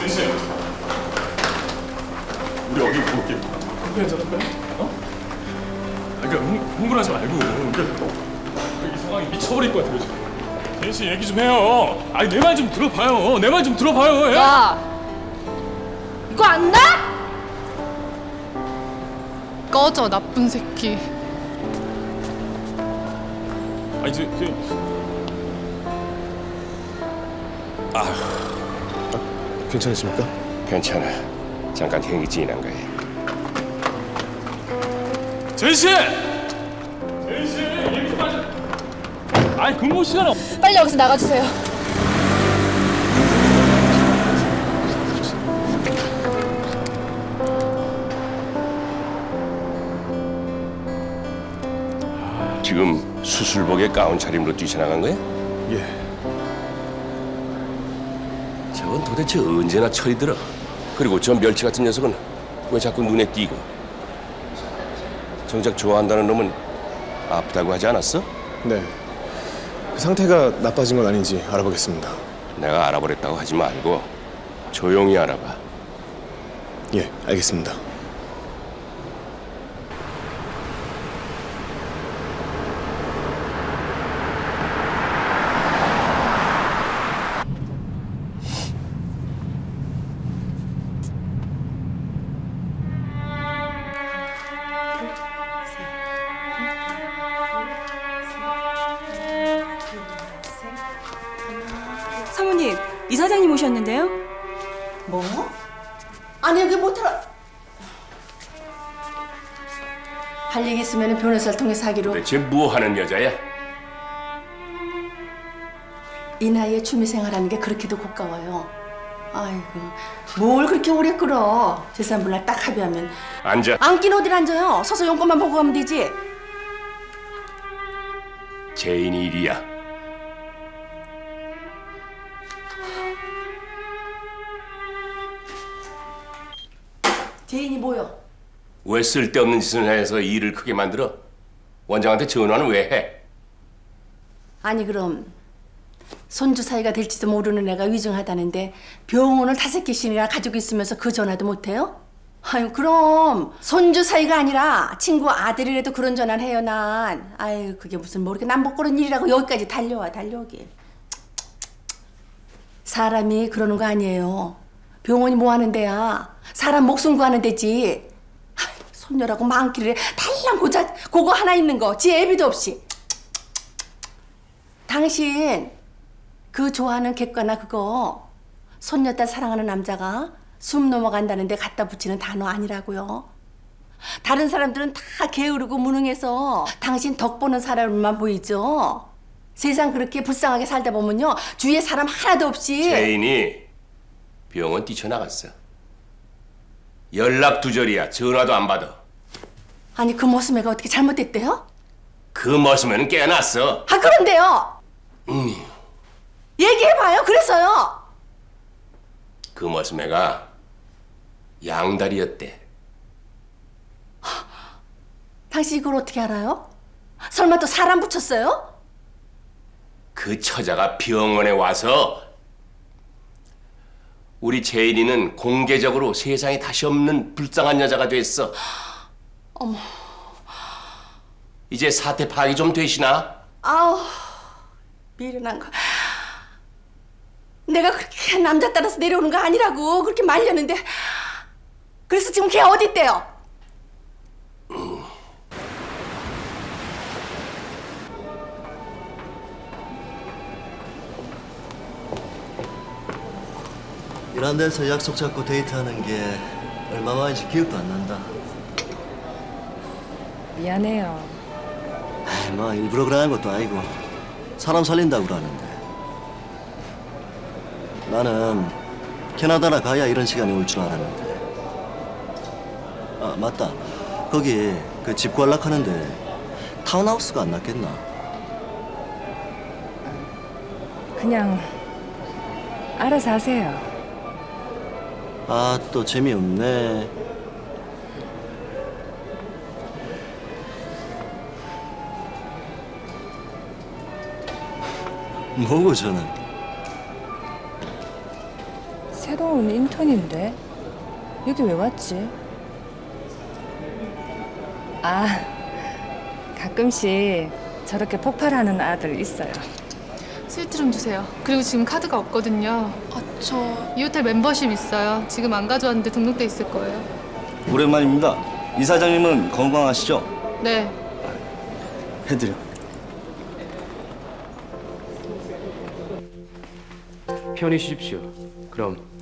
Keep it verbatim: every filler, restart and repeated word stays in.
제시, 우리 여기 볼게. 괜찮을까요? 어? 그러니까 흥, 흥분하지 말고. 그러니까 이 상황이 미쳐버릴 것 같아요 지금. 제시 얘기 좀 해요. 아니 내 말 좀 들어봐요. 내 말 좀 들어봐요. 예? 야, 이거 안 나? 꺼져 나쁜 새끼. 아니 저, 저 괜찮으십니까? 괜찮아. 잠깐 행위 지난 거야. 제시, 제시 얘기 좀 하자. 아니 근무 시간 없. 빨리 여기서 나가주세요. 지금 수술복에 가운 차림으로 뛰쳐나간 거야? 예. 저건 도대체 언제나 철이 들어. 그리고 저 멸치 같은 녀석은 왜 자꾸 눈에 띄고? 정작 좋아한다는 놈은 아프다고 하지 않았어? 네. 그 상태가 나빠진 건 아닌지 알아보겠습니다. 내가 알아보랬다고 하지 말고 조용히 알아봐. 예, 알겠습니다. 사모님, 이사장님 오셨는데요? 뭐? 아니 여기 못 들어. 할 얘기 있으면 변호사를 통해서 하기로. 대체 뭐 하는 여자야? 이 나이에 취미생활하는 게 그렇게도 고가워요. 아이고 뭘 그렇게 오래 끌어. 재산분할 딱 합의하면. 앉아. 앉긴 어딜 앉아요. 서서 용건만 보고 가면 되지. 제인이 일이야. 제인이 뭐요? 왜 쓸데없는 짓을 해서 일을 크게 만들어? 원장한테 전화는 왜 해? 아니 그럼 손주 사이가 될지도 모르는 애가 위중하다는데 병원을 다섯 개씩이나 가지고 있으면서 그 전화도 못해요? 아유 그럼 손주 사이가 아니라 친구 아들이라도 그런 전화는 해요 난. 아유 그게 무슨 뭐 이렇게 남복그런 일이라고 여기까지 달려와 달려오길. 사람이 그러는 거 아니에요. 병원이 뭐 하는 데야. 사람 목숨 구하는 데지. 아유, 손녀라고 많기를 달랑 고자 그거 하나 있는 거 지 애비도 없이. 당신 그 좋아하는 객과나 그거 손녀딸 사랑하는 남자가 숨 넘어간다는데 갖다 붙이는 단어 아니라고요. 다른 사람들은 다 게으르고 무능해서 당신 덕 보는 사람만 보이죠. 세상 그렇게 불쌍하게 살다 보면요 주위에 사람 하나도 없이. 제인이 병원 뛰쳐나갔어. 연락 두절이야. 전화도 안 받아. 아니 그 모습애가 어떻게 잘못됐대요? 그 머슴에는 깨어났어. 아 그런데요. 음. 얘기해봐요. 그래서요. 그 머슴애가 양다리였대. 당신 이걸 어떻게 알아요? 설마 또 사람 붙였어요? 그 처자가 병원에 와서 우리 제인이는 공개적으로 세상에 다시 없는 불쌍한 여자가 됐어. 어머. 이제 사태 파악이 좀 되시나? 아우 미련한 거. 내가 그렇게 남자 따라서 내려오는 거 아니라고 그렇게 말렸는데. 그래서 지금 걔 어디 있대요? 이런 데서 약속 잡고 데이트하는 게 얼마만인지 기억도 안 난다. 미안해요. 에이, 뭐 일부러 그러는 것도 아니고 사람 살린다고 그러는데. 나는 캐나다나 가야 이런 시간이 올 줄 알았는데. 아 맞다. 거기 그 집 관락하는데 타운하우스가 안 낫겠나? 그냥 알아서 하세요. 아 또 재미없네. 뭐고 저는? 새로 온 인턴인데 여기 왜 왔지? 아, 가끔씩 저렇게 폭발하는 아들 있어요. 스위트 좀 주세요. 그리고 지금 카드가 없거든요. 아, 저... 이 호텔 멤버십 있어요. 지금 안 가져왔는데 등록돼 있을 거예요. 오랜만입니다. 이사장님은 건강하시죠? 네. 해드려. 편히 쉬십시오. 그럼